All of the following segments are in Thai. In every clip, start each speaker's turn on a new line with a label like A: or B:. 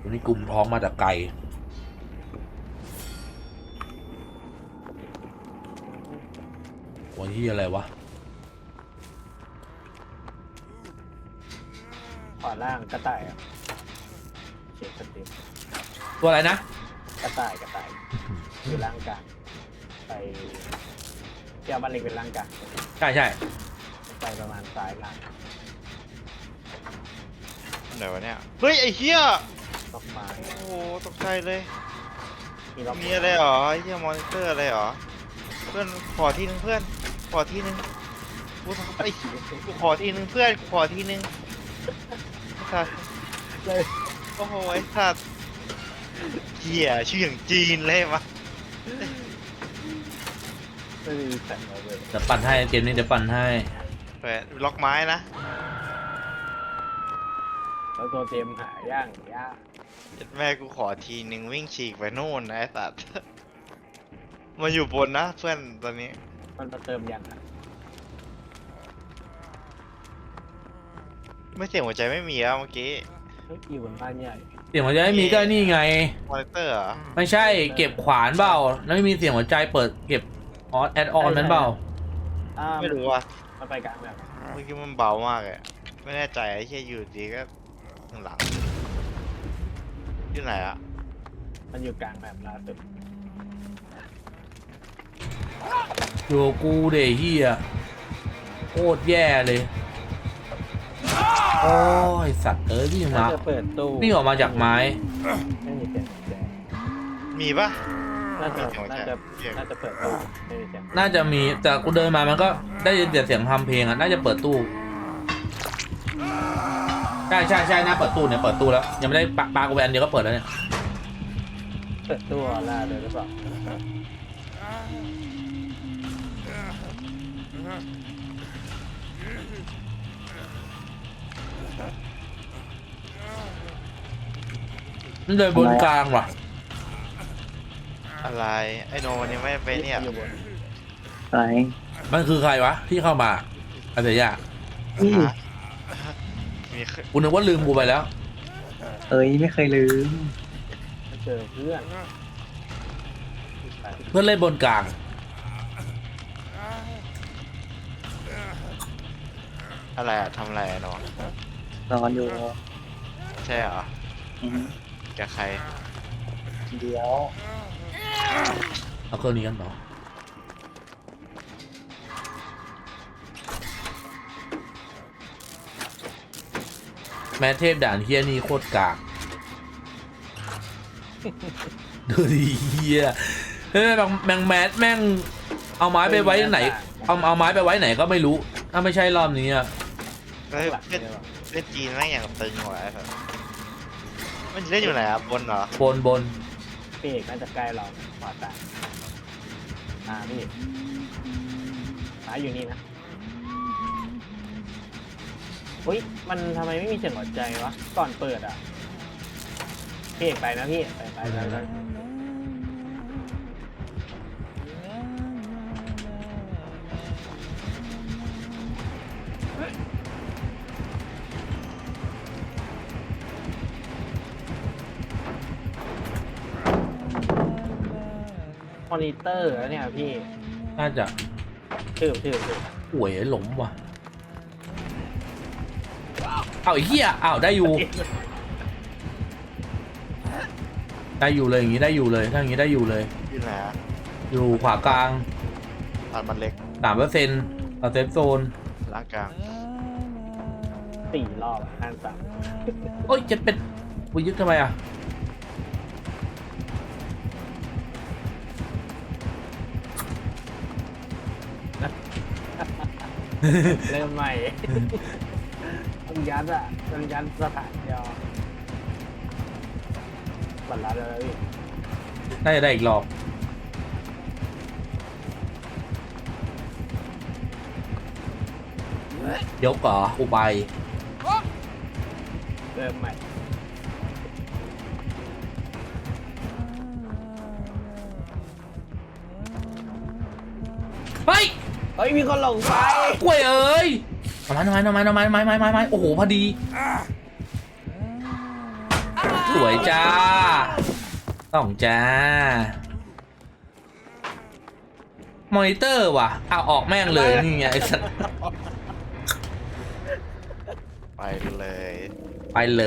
A: วันนี้กลุ่มท้องมาจากไกลวันที่อะไรวะ
B: ขวาล่างกระต่ายอ่ะเช็คสติป
A: ตัวอะไรนะ
B: กระต่ายอยู่ล่างกลางไปเที่ยวบ้านเล็กเป็นล่างกลาง
A: ใช่ใช่
B: ไปประมาณซ้ายล่าง
C: ไหนวะเนี่ยเฮ้ยไอ้เหี้ย
B: ล็อกไม้
C: โอ้โหตกใจเลย
B: มีล็อก
C: มีอะไรหรอไอ้เหี้ยมอนิเตอร์อะไรหรอเพื่อนขอทีนึงเพื่อนขอทีนึงกูทำไอ้กูขอทีนึงเพื่อนขอทีนึงไอ้สัส
B: เลย
C: โอ้โหไอ้สัสเหี้ยชื่ออย่างจีนเลยวะ
B: ไม่มีแสงเลย
A: เดี๋ยวปั่นให้เกมนี้เดี๋ยวปั่นให้
C: แปะล็อกไม้นะ
B: แล้วตัวเตรียมหาย่างย่า
C: แม่กูขอทีนึงวิ่งฉีกไปโน่นนะไอ้สัสมาอยู่บนนะเพื่อนตอนนี้
B: มันมาเติมยังอ่ะ
C: ไม่เสียงหัวใจไม่มีแล้วเมื่อกี้
B: เฮ้ยอยู่บนบ้านใหญ่
A: เสียงหัวใจไม่มีก็นี่ไง
C: มอนิเตอร์เหรอ
A: ไม่ใช่เก็บขวานเปล่าแล้วไม่มีเสียงหัวใจเปิดเก็บออสแอดออนนั้นเปล่า
C: ไม่รู้ว่ะ
B: มันไปกลางแบบ
C: เมื่อกี้มันเบามากเลยไม่แน่ใจไอ้เหี้ยอยู่ดีก็ข้างหลังอยู่ไหนอะ
B: มันอยู่กลางแบบล่าสุด
A: อยู่กับกูเดเฮียโคตรแย่เลยโอ้ยสัตว์วิ่ง
B: น่า
A: มา
B: จะเปิดตู้
A: วิ่งออกมาจากไม้
B: ไม่มีเสียงแจ
C: มีปะ
B: น่าจะ
C: มีเสียง
B: น่าจะน่าจะเปิดตู้ไม่มีเสียง
A: น่าจะมีแต่กูเดินมามันก็ได้ยินเสียงทำเพลงอ่ะน่าจะเปิดตู้ใช่ใช่ใช่น่าเปิดตู้เนี่ยเปิดตู้แล้วยังไม่ได้ปากูไปอันเดียวก็เปิดแล้วเนี่ย
B: เปิดตู้ออร่าเลยหรือเปล่า
A: มันเดินบนกลางว่ะ
C: อะไรไอโนมันยังไม่ไปเนี่ย
B: อยู่บน
D: ไร
A: มันคือใครวะที่เข้ามาอะไรยะ
C: ฮะมี
A: กูนึกว่าลืมกูไปแล้ว
D: เอ้ยไม่เคยลืม
B: มาเจอเพื่อน
A: เพื่อนเล่นบนกลาง
C: อะไรอะทำอะไรอะโน
D: นอนอยู่
C: ใช่เหรอ
D: อืม
C: กับใคร
D: เดี๋ยว
A: เอาเครื่องนี้กันต่อแม้เทพด่านเฮียนี่โคตรกากดูดิเฮียเฮ้ยแมงแมสแม่งเอาไม้ไปไว้ไหนเอาไม้ไปไว้ไหนก็ไม่รู้ถ้าไม่ใช่รอบนี้อ่ะ
C: เฮ้ย
B: หลัง
C: เล่น
B: เนี่ยหรอ
C: เล่นจีนแม่งอย่างตึงว่ะไอ้สัสมันเล่นอยู่ไหนอะบนเหรอบ
A: น
B: พี่เอกน่าจะใกล้เราขวาตาพี่เอกซ้ายอยู่นี่นะอุ้ยมันทำไมไม่มีเสียงหัวใจวะก่อนเปิดอ่ะพี่เอกไปนะพี่ไปมอนิเตอร์แล้วเนี่ยพี่
A: น่าจะ
B: ชื่อ
A: ป่วยหลงว่ะเอาไอ้เหี้ยอ้าวได้อยู่ได้อยู่เลยอย่างงี้ได้อยู่เลยถ้าอย่างงี้ได้อยู่เลย
C: อยู่ไหนอะ
A: อยู่ขวากลาง
C: ตัดมันเล็ก
A: 3%เอาเซฟโซน
C: ล่างกลาง
B: 4 รอบห้าสาม
A: โอ้ยจะเป็นกูยึดทำไมอ่ะ
B: เริ่มใหม่ ต้องยัดอ่ะต้องยัดสถานเดียวบัตรลัดแล้วพี่
A: น่าจะได้อีกรอบยกเหรอกูไป
B: เริ่มใหม่
A: เฮ้ย
B: เฮ้ยมีคนหลงไฟ
A: กล้วยเอ้ยทำไมโอ้โหพอดีโอ้วยจ้าต้องจ้ามอนิเตอร์ว่ะเอาออกแม่งเลยนี่ไงไอ้สัส
C: ไปเลย
A: ไปเลย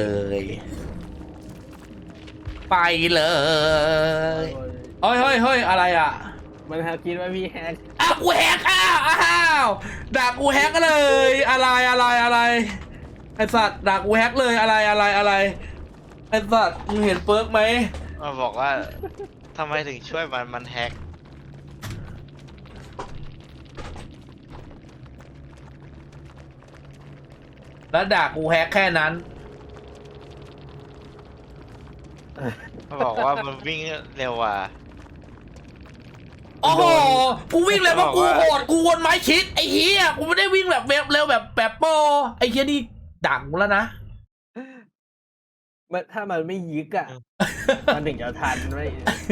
A: ไปเลยเฮ้ยเฮ้ยเฮ้ยอะไรอ่ะ
B: มันคิดว่าพี่แฮก
A: อ้าวกูแฮกอ้าวด่ากูแฮกเลยอะไรไอ้สัตว์ด่ากูแฮกเลยอะไรไอ้สัตว์มึงเห็นเปิร์กไหม
C: มาบอกว่าทำไมถึงช่วยมันแฮก
A: แล้วด่ากูแฮกแค่นั้น
C: มาบอกว่ามันวิ่งเร็วอ่ะ
A: โอ้โหกูวิ่งเลยเพราะกูโหดกูวนไม้ชิดไอ้เหี้ยกูไม่ได้วิ่งแบบเร็วแบบโปรไอ้เหี้ยนี่ด่ากูแล้วนะ
B: ถ้ามันไม่ยึกอ่ะ มันถึงจะทันไม่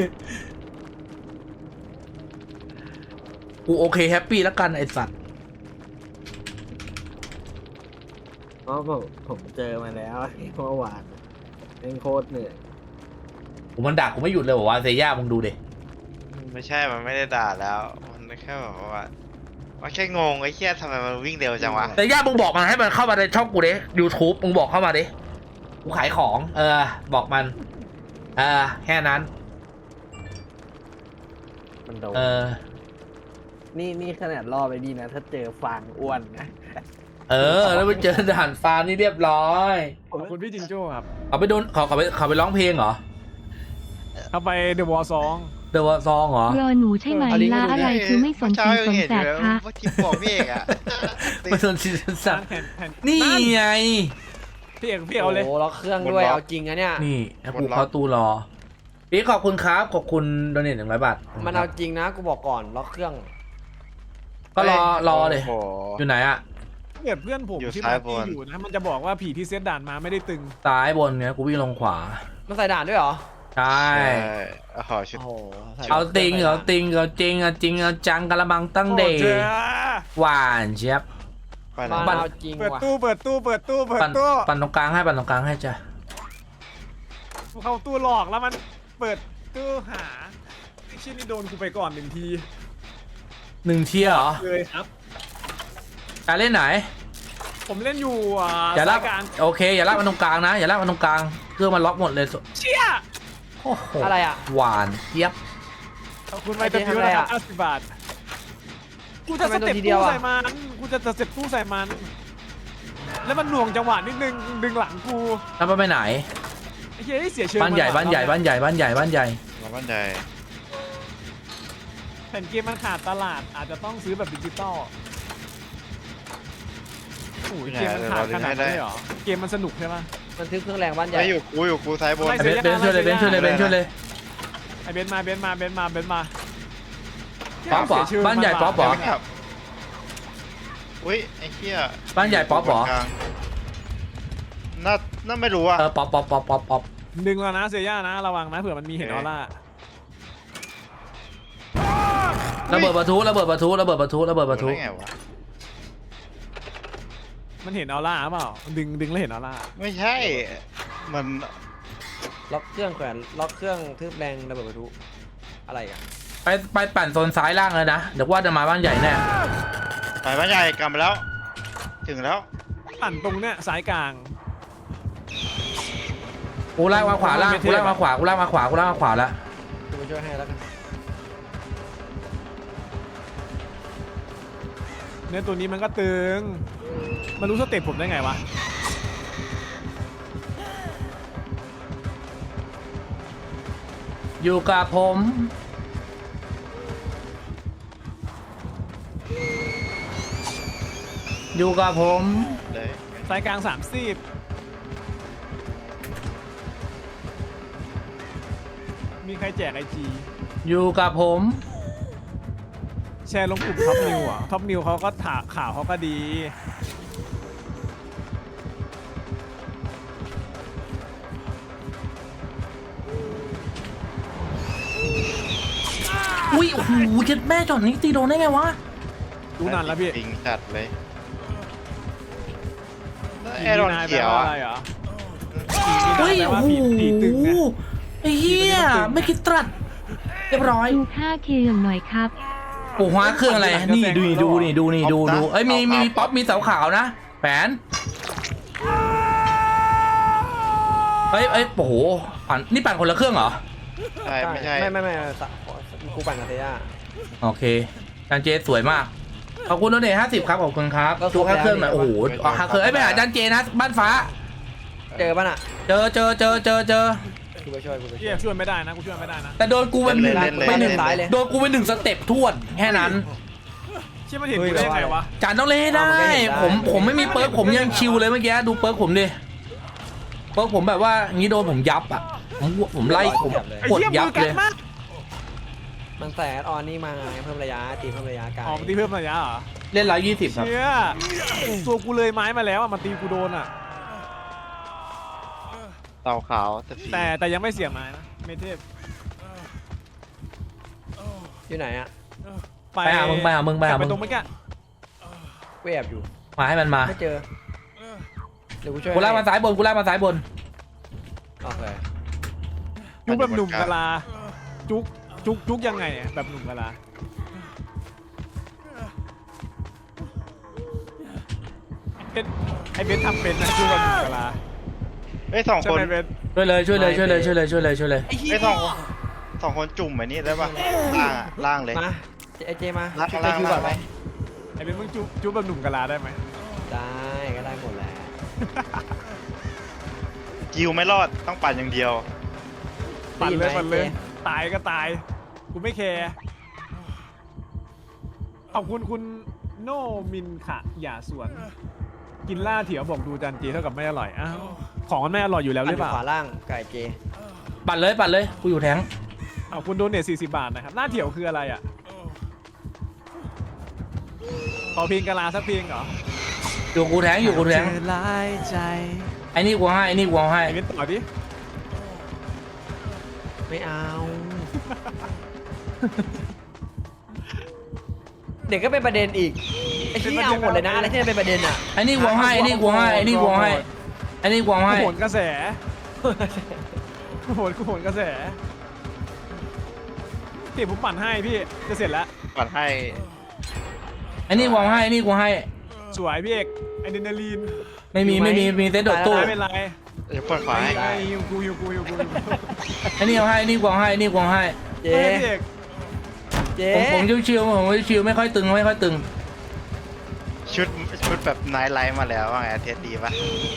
A: กูโอเคแฮปปี้แล้วกันไอ้สัตว์
B: เพราะผมเจอมาแล้วเมื่อวานเป็นโคตรเหนื่อย
A: กูมันด่ากูไม่หยุดเลยบอกว่าเซย่ามึงดูดิ
C: ไม่ใช่มันไม่ได้ด่าแล้วมันแค่แบบว่าแค่งงไอ้เหี้ยทำไมมันวิ่งเร็วจังวะ
A: เซย่ามึงบอกมันให้มันเข้ามาในช่องกูดิ YouTube มึงบอกเข้ามาดิกูขายของบอกมันแค่นั้น
B: มันโดน นี่ขนาดล่อไปดีนะ ถ้าเจอฟางอ้วนนะ
A: แล้วไปเจอด่านฟ้านี่เรียบร้อย
E: ขอบคุณพี่จิงโจ้ครับ
A: เขาไปโดนเขาไปร้องเพลงเหรอ
E: เข้าไปเดอะวอลซอง
A: เดอะซองเหรอ
F: รอหนูใช่ไหมล่ะอะไรคือไม่สนสีสนแสบคะ
C: เมื่อกี้บอกพี่เอกอะ
A: ไม่สนซีซั่นสั
E: แผ่น
A: นี่ไง
E: พี่เอกเอาเลย
G: โอ้ล็อกเครื่องด้วยเอาจริงอะเนี่ย
A: นี่แล้วกูเข้าตู้รอพี่ขอบคุณครับขอบคุณโดเนท100 บาท
G: มันเอาจริงนะกูบอกก่อนล็อกเครื่อง
A: ก็รอเลย
C: โอ้โห
A: อยู่ไหนอะ
E: เกิดเพื่อนผม
C: อยู่
E: ที่
C: ซ้าย
E: มา
C: บน
E: ที่อยู่นะมันจะบอกว่าผีที่เซตด่านมาไม่ได้ตึง
A: ซ้ายบนเนี่ยกูวิ่งลงขวา
G: มันใส่ด่านด้วยเหรอ
A: ใช่
C: ขอชุด
G: โอ้โหใส่
A: เอาจริงเอาจริงเอาจริงเอาจริงเอาจังกะละมังตั้งเด
E: โอ้
A: ย์
E: เจ้า
A: หวานเชียบ
C: ไป
G: มา
C: แล้ว
G: เอาจริง
E: เปิด
G: ว่ะ
E: ตู้เปิดตู้
A: ปั่นตรงกลางให้ปั่นตรงกลางให้จ้ะ
E: เข้าตู้หลอกแล้วมันเปิดตู้หาไอ้ชิ้นนี้โดนกูไปก่อน1 ที
A: 1 เที่ยเหรอ
E: เลยครับ
A: จะเล่นไหน
E: ผมเล่นอยู่
A: อย่าลาก
E: สการ
A: โอเคอย่าลากมันตรงกลางนะอย่าลากมันตรงกลางเครื่องมันล็อกหมดเลย
E: เชี่ย
A: โอ้โห
G: อะไรอ่ะ
A: หวานเจี๊ยบ
E: ขอบคุณไมตพิวนะครับ50 บาทกูจะสเต็ปตู้ใส่มันกูจะสเต็ปตู้ใส่มัน แล้วมันหน่วงจังหวะนิดนึงดึงหลังกู
A: แล้วมันไปไหน
E: ไอ้เหี้ยเสียเชิง
A: บ้านใหญ่
E: มั
A: บ้านใหญ่
E: ว่ะ
A: บ้านใหญ่บ้านใหญ่บ้านใหญ่
C: มาบ้านใด
E: แผ่นเกมมันขาดตลาดอาจจะต้องซื้อแบบดิจิตอลโอ้ยเกมมันขาดขนาดนี้เลยเหรอเกมมันสนุกใช่ไหม
G: มันทึบเครื่องแรงบ้านใหญ่
C: ไม่อยู่กูซ้ายบน
E: ไม่
A: เบนซ์ช่วยเลยเบนซ์ช่วยเลยเบนซ์ช่วยเลย
E: ไอเบนซ์มา
A: ป๊อปเหรอ
E: เสียชื่
A: บ้านใหญ่ป๊อปเหรอ
C: ไม่กลับอุ้ยไอ้เหี้ย
A: บ้านใหญ่ป๊อปเหรอ
C: น่าไม่รู้อ่ะ
A: ป๊อป
E: ดึงแล้วนะเซียย่านะระวังนะเผื่อมันมีเห็นออร่า
A: ระเบิดประทุระเบิดประทุระเบิดประทุระเบิดประทุ
C: รู้ได้ไงวะ
E: มันเห็นออร่าเปล่าดึงแล้วเห็นออร่า
C: ไม่ใช่ มัน
G: ล็อกเครื่องแขวนล็อกเครื่องทึบแรงระเบิดประทุอะไรอ่ะ
A: ไปปั่นโซนซ้ายล่างเลยนะเดี๋ยวว่าจะมาบ้านใหญ่แน่
C: ไปบ้านใหญ่กลับมาแล้ว ถึงแล้ว
E: ปั่นตรงเนี้ยสายกลาง
A: กูลากมาขวาล่างกูลากมาขวาแล้ว
G: กูไปช่วยให้แล้วกัน
E: เนี่ยตัวนี้มันก็ตึงมันรู้สเต็ปผมได้ไงวะ
A: อยู่กับผมอยู่กับผม
C: เลย
E: สายกลาง30มีใครแจกIG
A: อยู่กับผม
E: แชร์ลงกลุ่มท็อปนิวอ่ะท็อปนิวเขาก็ถาข่าวเขาก็ดี
A: อุ้ยโอ้โหเจ็ดแม่จอดนี้ตีโดนได้ไงวะ
E: รู้นานแล้วพี่
C: ปิงจัดเลยแอรอนเขียว
E: อะ
C: อะ
E: ไรเหรอ
C: ปิง
A: เฮ้ย
E: แต่
A: โอ้
E: ว่า
A: โห
E: ผีตึงเนี่ย
A: ไอ้เหี้ยไม่คิดตรัสเรียบร้อย
F: ดูค่าเครื่องหน่อยครับ
A: โอ้โหเครื่องอะไรนี่ดูเอ้ยมีป๊อปมีเสาขาวนะแผนเอ้ยโอ้โหปั่นนี่ปั่นคนละเครื่องเหรอ
C: ใช่ไม่ใช่
G: ไม่กูปั่นกับเตย่า
A: โอเคจานเจสวยมากขอบคุณโดเนท50ครับขอบคุณครับ
G: ก็ครบ
A: จูค่าเครื่องหน่อย
G: แล้ว
A: โอ้โหค่าเครื่องไอ้ยไปหาจานเจนะบ้านฟ้า
G: เจอป่ะน่ะ
A: เจอ
G: กูไปช่วย
E: เฮียช่วยไม่ได้นะกูช่วยไม่ได้นะ
A: แต่โดนกูเป็นหนึ่ง
G: ไปหนึ่งซ้ายเลย
A: โดนกูเป็น1 สเต็ปทวดแค่นั้น
E: เชี่ยมันเห็นกูได้ไงวะ
A: จานต้องเล่นให้ได้ ผมไม่มีเปิร์กผมยังชิวเลยเมื่อกี้ดูเปิร์กผมดิเปิร์กผมแบบว่างี้โดนผมยับอ่ะผมไล่ผม
E: ไอ้
A: กด
E: เหี้ย
A: ยับ
E: มือกั
A: เล
E: น
A: ย
E: มาก
G: มันแต่ออนนี่มาไงเพิ่มระยะตีเพิ่มระยะไกล
E: อ๋อมันตีเพิ่มระยะเหรอ
A: เล่น120ครับ
E: เชี่ยตัวกูเลยไม้มาแล้วอ่ะมันตีกูโดนอ่ะ
C: เต่าขาวแต่
E: แต่ยังไม่เสียไม้นะเมเทพ
G: อยู่ไหนอ่ะ
A: ไปหามึง
E: กลับไปตรงเมื่อกี้
G: กูแอบอยู่
A: มาให้มันมา
G: ไม่เจอเดี๋ยวกูช่วย
A: กูลากมาซ้ายบนกูลากมาซ้ายบน
G: โอเค
E: จุกแบบหนุ่มกะลาจุกยังไงอ่ะแบบหนุ่มกะลาไอเบนทำเป็นนะจุกแบบหนุ่มกะลา
C: เอ้ยสอง
E: ใช่
C: คน
E: ไหมเบน
A: ช่วยเลย
C: ไอ้สองคนจุ่มแบบนี้ได้ปะล่างเลย
G: มาไอเจมา
C: ล่าง
G: ช่วย
C: ล่าง
G: คิวก่อนไหม
E: ไอเบนมึงจุกแบบหนุ่มกะลาได้ไหม
G: ได้ก็ได้หมดแหล้ว
C: กิวไม่รอดต้องปั่นอย่างเดียว
E: ปั่นเลยตายก็ตายกูไม่แคร์ขอบคุณคุณโนมินขะอย่าสวน กินล่าเถียวบอกดูจานเจเท่ากับไม่อร่อยอ้าวของมันไม่อร่อยอยู่แล้วหรือเปล่า
G: ขวาล่างไก่เจ
A: ปัดเลยกูอยู่แทง
E: เอาคุณโดนเนท40 บาทนะครับล่าเถียวคืออะไรอ่ะขอเพลงกะลาสักเพลงเหรอ
A: อยู่กูแทง
E: ลายใจ
A: ไอ้นี่กูให้
E: ไอเบนต่อดิ
G: ไม่เอา เด็กก็เป็นประเด็นอีกไอ้ที่เอาหมดเลยนะอะไรที่มันเป็นประเด็นอ่ะ
A: ไอ้นี่กูให้
E: กูโหนกระแสกูโหนกระแสพี่ผมปั่นให้พี่จะเสร็จแล้ว
C: ปั่นให้
A: ไอ้นี่กูให้
E: สวยพี่เอกอะดรีนาลีน
A: ไม่มีเซตโดดตู้
E: ไม่เป็นไร
C: เดี๋ยวปั่นขวาให้
E: ไอ้ฮิวกู
A: ไอ้นี่เอาให้ไอ้นี่กูให้
G: เจ
E: เฮ้ยพี่เอก
G: เจ
A: ผมชิวไม่ค่อยตึง
C: ชุดแบบไนท์ไลท์มาแล้วว่าไงเทสดีปะ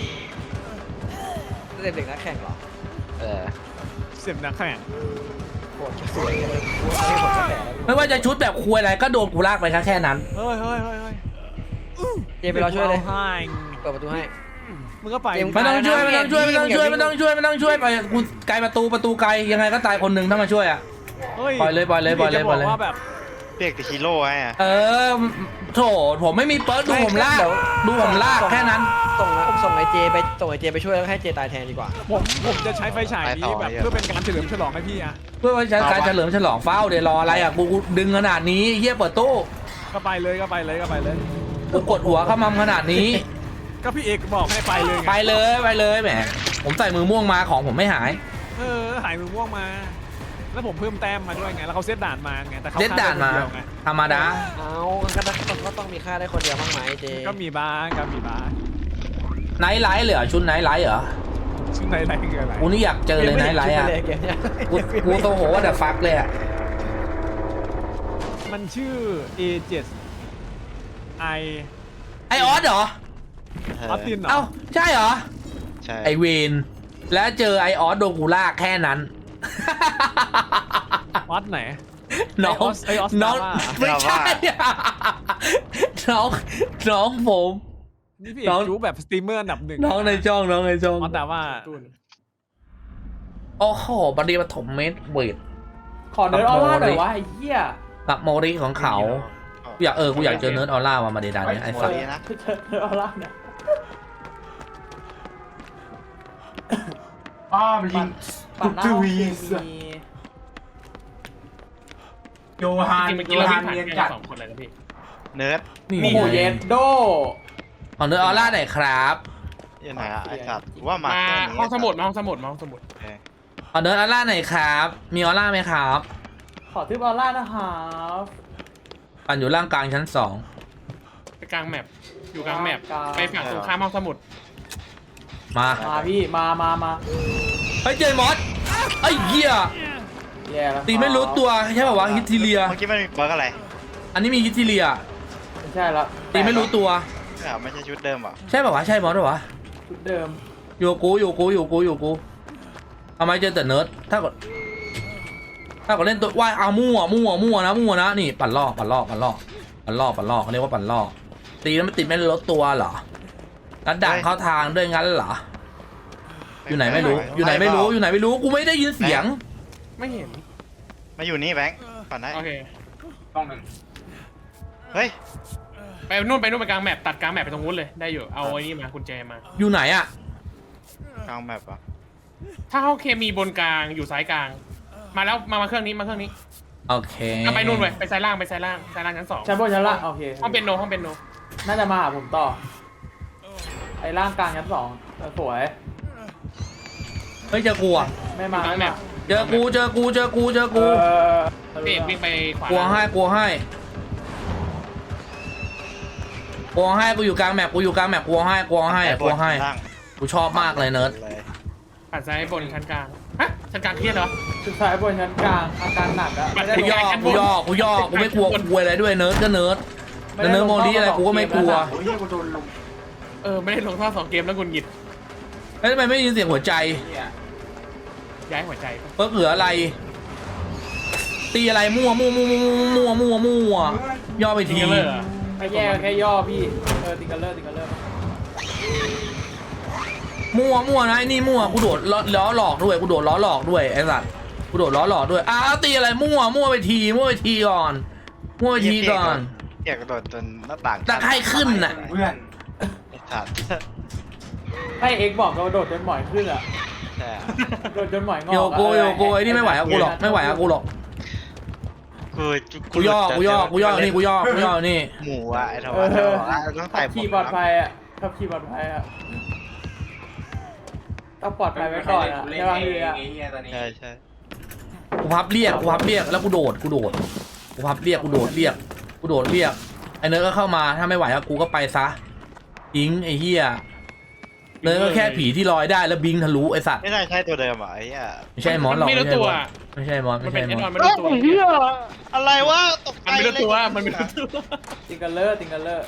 G: เด็กนักแข่งเหรอ
E: เสียบนักแข่ง
G: โคตรสวยเลยกูเอาให้หมดกระแสแล้ว
A: ไม่ว่าจะชุดแบบควยอะไรก็โดนกูลากไปแค่นั้น
E: เฮ้ย
G: เจไปรอช่วยเลย
E: ให้
G: เปิดประตูให้
E: มึงก็ไป
A: ไม่ต้องช่วยไปกูไกลประตูไกลยังไงก็ตายคนหนึ่งถ้ามาช่วยอ่ะ
E: เฮ้ย
A: ปล่อยเลย
E: จะบอกว่าแบบ
C: เรียกแต่ฮีโร่ให้อะ
A: โถผมไม่มีเปิร์กดูผมลากแค่นั้น
G: ส่งไอเจไปช่วยแล้วให้เจตายแทนดีกว่า
E: ผมจะใช้ไฟฉายนี้แบบเพื่อเป็นการเฉลิมฉลองให้พี่อะ
A: เพื่อว่าใช้การเฉลิมฉลองเฝ้าเดี๋ยวรออะไรอ่ะกูดึงขนาดนี้เฮียเปิดตู้
E: ก็ไปเลย
A: กูกดหัวเข้ามัมขนาดนี้
E: ก็พี่เอกบอกให้ไปเลยไง
A: ไปเลยแหมผมใส่มือม่วงมาของผมไม่หาย
E: หายมือม่วงมา แล้วผมเพิ่มแต้มมาด้วยไงแล้วเขาเซตด่านมาไงแต่เขา
A: เซตด่านมา
E: ฆ่ได้คเดียวไง
A: ธรรมดา
G: เอาก็ต้องมีค่าได้คนเดียวบ้างไหมเจ
E: ก็มีบ้าง
A: ไนท์ไลท์เหรอชุดไนท์ไลท์เหรอ
E: ซึ่งในไรคืออะไร
A: กูนี่อยากเจอเลยไนท์ไลท์อ่ะกูโตโหว่าแต่ฟักเลยอ่ะ
E: มันชื่อ A7 I
A: ไอออสเหรอ
E: ออสตินเหรอ
A: เอ้าใช่เหรอ
C: ใช่
A: ไอเวนแล้วเจอไอออสโดนกูลากแค่นั้น
E: ออสไหน
A: น้อง
E: ไอออส
A: น้อง
E: ดาว่า
A: ไม่ใช่ น้องผม
E: นี่พี่เอกจูแบบสตรีมเมอร์อันดับ 1
A: น้องในช่อง
E: ออสดาว่า
A: โอ้โหบัดดี้ปฐมเมดเวท
H: ขอเนิร์ดออร่าหน่อยวะไอ้เหี้ย
A: กับโมริของเขากูอยากเจอเนิร์ดออร่ามาเดดานเนี่ยไอ้สัส
H: เนิร์ดออร่าเนี่ย
A: มันยิง
H: ปั่นหน้าห้องเกมมี
A: โยฮานเนียนจัด
E: 2 คนเลยนะพี่
C: เนิร์ด
A: นี่
H: โอ้โหเยนโด
A: ของเนิร์ดออร่าไหนครับ
C: อยู่ไหนอะไอ้สัตว์กูว่ามา
I: มา
C: เครื่องนี้
I: ห้องสมุดมาห้องสมุดมาห้องสมุด
C: โอเค
A: ขอเนิร์ดออร่าหน่อยครับ มีออร่าไหมครับ
H: ขอทึบออร่านะครับ
A: ปั่นอยู่ล่างกลางชั้น
I: ไปกลางแมปอยู่กลางแมปไปฝั่งตรงข้ามห้องสมุด
A: 2 มา
H: มาพี่มา
A: เฮ้ยเจอมอสไอ้เหี้ย
H: แย่แล้ว
A: ตีไม่รู้ตัวใช่ป่าวะฮิตทีเลีย
C: เมื่อกี้มันมีบั๊กอะไร
A: อันนี้มีฮิตทีเลีย
H: ไม่ใช่แล้ว
A: ตีไม่รู้ตัว
C: ไม่ใช่ชุดเดิมเหรอ
A: ใช่ป่าวะใช่มอสป่าวะ
H: ชุดเดิม
A: อยู่กูทำไมเจอแต่เนิร์ดถ้าเกิดเล่นตัวว่ายเอามั่วนะนี่ปั่นล่อเขาเรียกว่าปั่นล่อตีแล้วมันติดไม่ลดตัวเหรอแล้วด่างเข้าทางด้วยงั้นเหรออยู่ไหนไม่รู้กูไม่ได้ยินเสียง
I: ไม่เห็น
C: มาอยู่นี่แบงค์ก่อนได้
I: โอเค
C: เฮ้ย
I: ไปนู่นไปกลางแมปตัดกลางแมปไปตรงนู้นเลยได้อยู่เอาไอ้นี่มากุญแจมา
A: อยู่ไหนอะ
C: กลางแมปอ่ะ
I: ถ้าห้องเคมีบนกลางอยู่ซ้ายกลางมาแล้วมาเครื่องนี้
A: โอเค
I: เอาไปนู่นเลยไปซ้ายล่างชั้น 2
H: ชั้นบนชั้นล่างโอเค
I: ห้องเป็นโน
H: น่าจะมาหาผมต่อไอ้ร่างกลางชั้น2สวย
A: เฮ้ยเจอกูอะ
H: ไม่มา
I: กลางแมป
A: เจอกู
I: เบรกวิ่งไปขวาก
A: ลัวให้กูอยู่กลางแมปกลัวให้กูชอบมากเลยเนิร์ด
I: ปัดซ้ายบนชั้นกลางฮะชั้นกลางเครียดเหรอ
H: สุดท้ายบนชั้นกลางอาการหนักอะไม่ได้
A: กูย่อกูไม่กลัวกูอะไรด้วยเนิร์ดก็เนิร์ดแต่เนิร์ดโมลีอะไรกูก็ไม่กลัว
I: ไม่ได้ลงท่อ2 เกมแล้วกุนหงิด
A: แล้วทำไมไม่ยินเสียงหัวใจ
I: ย้ายหัวใจ
A: เพิ่งเหลืออะไร ตีอะไรมั่วย่อไปที
H: แค่แย่แค่ย่อพี่ติงกันเลอร์
A: มั่วนะไอ้นี่มั่วกูโดดล้อหลอกด้วยไอ้สัตว์กูโดดล้อหลอกด้วยอ้าวตีอะไรมั่วไปทีก่อน
C: เกียกกระโดดจนหน้าต่าง
A: ตะไคร่ขึ้นน่ะ
C: ไอ้สัตว์
H: ให้เอ็กบอกเราโดดจนหมอยขึ้นอะ
C: แต่
H: โดดจนหมอยงอก
A: โยโกไอ้นี่ไม่ไหวกับกูหรอกกูย่อนี่กูย่อนี่
C: หมูอ่ะไอ้ทว่าต้อง
H: ขั
C: ใส่
H: บขี่ปลอดภัยอะต้องปลอดภัยไว้ก่อนอะในบางทีอะ
C: ใช่
A: กูพับเรียกแล้วกูโดดกูพับเรียกกูโดดเรียกไอ้เนิร์ดก็เข้ามาถ้าไม่ไหวกูก็ไปซะอิงไอ้เหี้ยเนิร์ดก็แค่ผีที่ลอยได้แล้วบิงทะลุไอ้สัตว์
C: ไม่น่าใช่ตัวเดิมอ่ะไอ้เหี้ย
A: ไม่ใช่มอนหรอก
I: ไม่รู้ตัว
A: ไม่ใช่มอน
I: มันเป็นแน่นอน
C: เหี้ยอะไรวะตกใจ
I: มันไม่รู้ตัว
C: เลย
I: มันไม่รู้ตัว
H: ติงกันเลอร์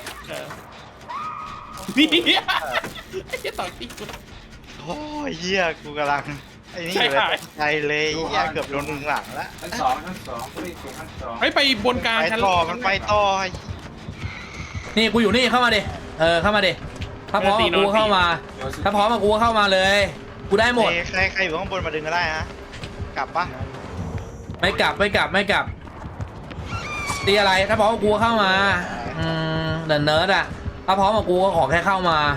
I: นี่ไอ้เหี้ยต่อตีกู
C: โอ้ยเหี้ยกูกำลังไอ้นี่อยู่เลยตกใจเลยเหี้ยเกือบโดนมึงหลังแล้ว
I: เฮ้ยไปบนกลาง
C: ไป
I: ชั้น
C: ต่อมันไปต่อ
A: นี่กูอยู่นี่เข้ามาดิเข้ามาดิถ้าพร้อมกูเข้ามากูเข้ามาเลยกูได้หมด
C: ใครอยู่ข้างบนมาดึงก็ได้ฮะกลับปะ
A: ไม่กลับตีอะไรถ้าพร้อมกูเข้ามาเดินเนิร์ดอะถ้าพร้อมกับกูก็ขอแค่เข้ามา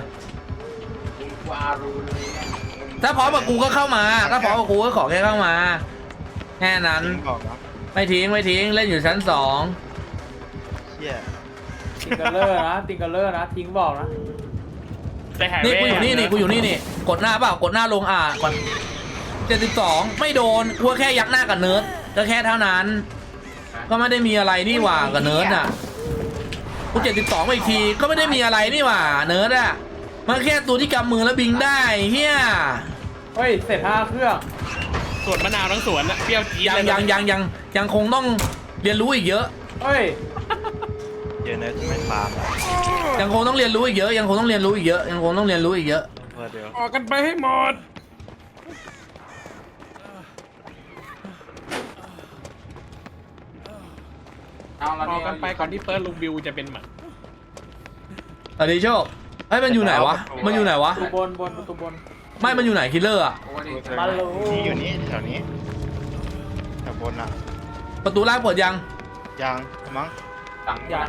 A: ถ้าพร้อมกับกูก็เข้ามาถ้าพร้อมกับกูก็ขอแค่เข้ามาแค่นั้น
C: บอกนะ
A: ไม่ทิ้งเล่นอยู่ชั้น 2
C: เชี่ย
H: ติงกันเลอร์นะทิ้งบอกนะ
I: ใจหาย
A: นี่กูอยู่นี่กดหน้าเปล่ากดหน้าลงก่อน72ไม่โดนกูแค่ยักหน้ากับเนิร์ดก็แค่เท่านั้นก็ไม่ได้มีอะไรนี่หว่ากับเนิร์ดอ่ะกู72ไปอีกทีก็ไม่ได้มีอะไรนี่หว่าเนิร์ดอ่ะมันแค่ตัวที่กำมือแล้วบิงได้เฮีย
H: เฮ้ยเสร็จ5 เครื่อง
I: สวนมะนาวทั้งสวนอะเปรี้ยวจี๊ด
A: ยังคงต้องเรียนรู้อีกเยอะ
H: เฮ้ย
C: เดี๋ยวเนยไม่ฟาร์ม
A: ยังคงต้องเรียนรู้อีกเยอะเดี๋ยว
I: ออกกันไปให้หมดออกกันไปก่อนที่เฟิร์สลุงบิวจะเป็นหมัน
A: สวัสดีโชคเฮ้ยมันอยู่ไหนวะ
H: ประตูบนประตูบน
A: ไม่มันอยู่ไหนคิลเลอร์อ่ะ
H: มาลู
C: นี่อยู่นี่แถวนี้แถวบนอ่ะ
A: ประตูล่างเปิดยัง
C: ยังมั้ง
H: ยัง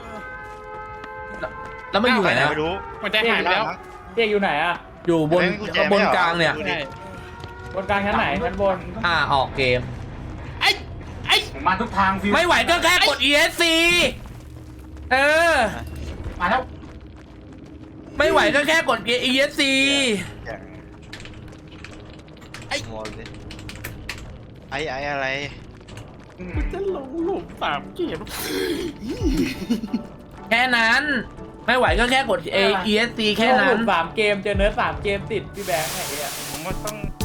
A: แล้วไม่อยู่ไหนนะ
C: ไม่รู้
I: หัวใจหายไปแล้ว
H: เรียกอยู่ไหนอะ
A: อยู่บนกลางเนี่ย
I: ใช่
H: บนกลางชั้นไหนชั้นบน
A: ออกเกม
I: ไอ้
E: มาทุกทางฟิว
A: ไม่ไหวก็แค่กด ESC มาแล้วไม่ไหวก็แค่กด ESC
C: อย่างไอ้หมดเลยไอ้อะไร
I: กูจะลงหลุม3 เกม
A: แค่นั้น ไม่ไหวก็แค่กด ESC แค่นั้น
H: 3 เกมเจอเนิร์ด3 เกมติดพี่แบงค์ไอ้เหี้ย
C: ผมว่าต้อง